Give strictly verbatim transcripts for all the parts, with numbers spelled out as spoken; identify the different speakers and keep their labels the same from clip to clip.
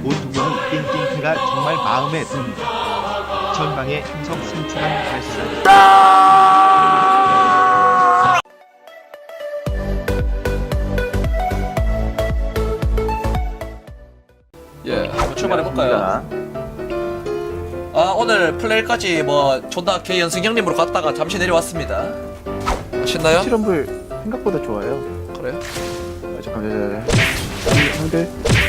Speaker 1: 오토경의 띵띵태가 정말 마음에 듭니다. 전방에 행성 승차한 발사.
Speaker 2: 예, 한번 출발해볼까요? 아, 오늘 플레이까지 뭐 존나 개 연승 형님으로 갔다가 잠시 내려왔습니다. 신나요?
Speaker 3: 실험불 생각보다 좋아요.
Speaker 2: 그래요?
Speaker 3: 아, 잠깐만, 잠깐만. 형들.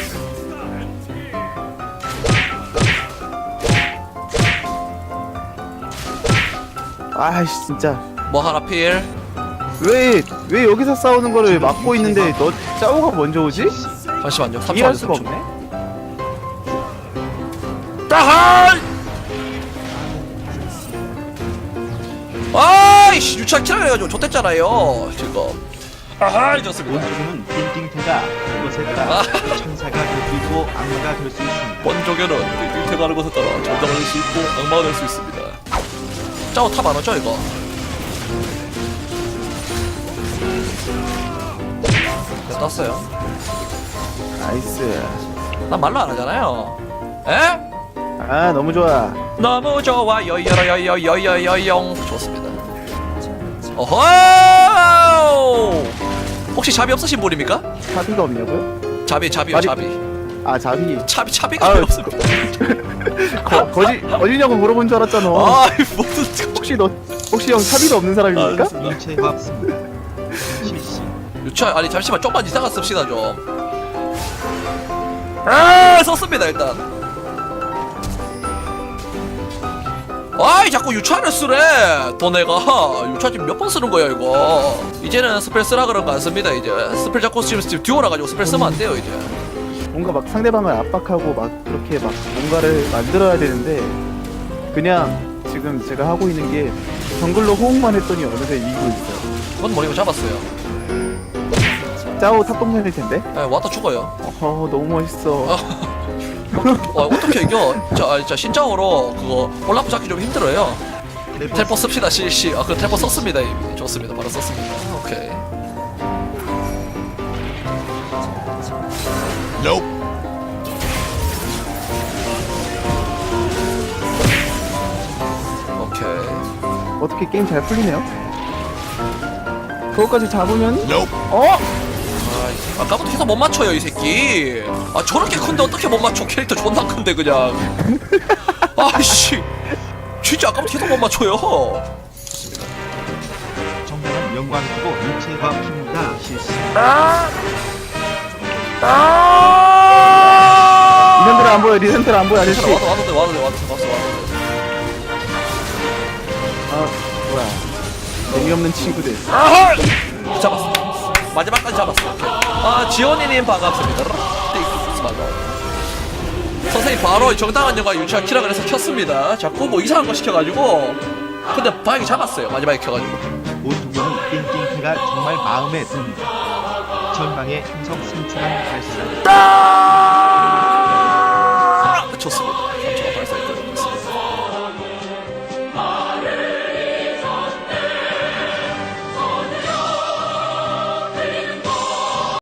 Speaker 3: 아이씨, 진짜.
Speaker 2: 뭐 하나 필?
Speaker 3: 왜, 왜 여기서 싸우는 거를 막고 있는데 너 짜오가 먼저 오지?
Speaker 2: 잠시만요.
Speaker 3: 이해할
Speaker 2: 삼 초
Speaker 3: 수가
Speaker 2: 안에 삼 초.
Speaker 3: 없네.
Speaker 2: 따할! 아이씨, 유치한 키라 그래가지고 좋댔잖아요 지금. 아하, 좋습니다.
Speaker 1: 오토경은 띵띵태가 그것에 따라 천사가 될 수 있고 악마가 될 수 있습니다.
Speaker 2: 번조개는 띵띵태 가는 것에 따라 전장을 낼 수 있고 악마가 될 수 있습니다. 짜오 탑 안 오죠 이거? 네, 떴어요.
Speaker 3: 나이스.
Speaker 2: 난 말로 안 하잖아요. 에?
Speaker 3: 아, 너무 좋아.
Speaker 2: 너무 좋아 여여여여여여여영 좋습니다. 어허! 혹시 자비 없으신 분입니까?
Speaker 3: 차비가 없냐고요?
Speaker 2: 자비 자비요
Speaker 3: 말이-
Speaker 2: 자비.
Speaker 3: 아, 자비.
Speaker 2: 차비 차비가
Speaker 3: 아유,
Speaker 2: 왜 없습니까?
Speaker 3: 거, 거지, 어디냐고 물어본 줄 알았잖아.
Speaker 2: 아이 무슨
Speaker 3: 혹시 너, 혹시 형 차비가 없는 사람입니까?
Speaker 2: 아,
Speaker 1: 일체가 없습니다. 실시.
Speaker 2: 유치원 아니 잠시만 좀만 이따가 씁시다 좀. 아 썼습니다 일단. 아이 자꾸 유치원을 쓰래. 또 내가 유치원 지금 몇 번 쓰는 거야 이거. 이제는 스펠 쓰라 그런 거 안 씁니다 이제. 스펠 자꾸 지금 지금 듀오라 가지고 스펠 쓰면 안 돼요 이제.
Speaker 3: 뭔가 막 상대방을 압박하고 막 그렇게 막 뭔가를 만들어야 되는데 그냥 지금 제가 하고 있는 게 정글로 호응만 했더니 어느새 이기고 있어요.
Speaker 2: 그건 머리고 잡았어요.
Speaker 3: 짜오 탑동생일 텐데?
Speaker 2: 예, 왔다 죽어요.
Speaker 3: 어, 너무 멋있어.
Speaker 2: 어, 어떻게 이겨? 자, 아, 자 신짜오로 그거 올라프 잡기 좀 힘들어요. 텔포 씁시다 실시. 아, 그 텔포 썼습니다 이미. 좋습니다. 바로 썼습니다. 오케이. 오케이.
Speaker 3: 어떻게 게임 잘 풀리네요? 그거까지 잡으면 어?
Speaker 2: 아, 아까부터 계속 못 맞춰요 이 새끼. 아 저렇게 큰데 어떻게 못 맞춰? 캐릭터 존나 큰데 그냥. 아이씨, 진짜 아까부터 계속 못 맞춰요. 좋습니다.
Speaker 1: 정당한 영광이고 일체가 없습니다. 실시.
Speaker 3: 리센트를 안 보여, 리센트를 안 보여, 아저씨.
Speaker 2: 와도 와도 돼 와도 돼 와도 돼 와도 돼 와도 돼.
Speaker 3: 아, 뭐야. 재미없는 친구들.
Speaker 2: 아하! 잡았어. 마지막까지 잡았어. 오케이. 아 지원이님 반갑습니다. 선생님 바로 정당한 영화 유치원 키라 그래서 켰습니다. 자꾸 뭐 이상한 거 시켜가지고. 근데 방이 잡았어요. 마지막에 켜가지고.
Speaker 1: 오토경의 띵띵태가 정말 마음에 듭니다. 전방에 행성 승차한 발사.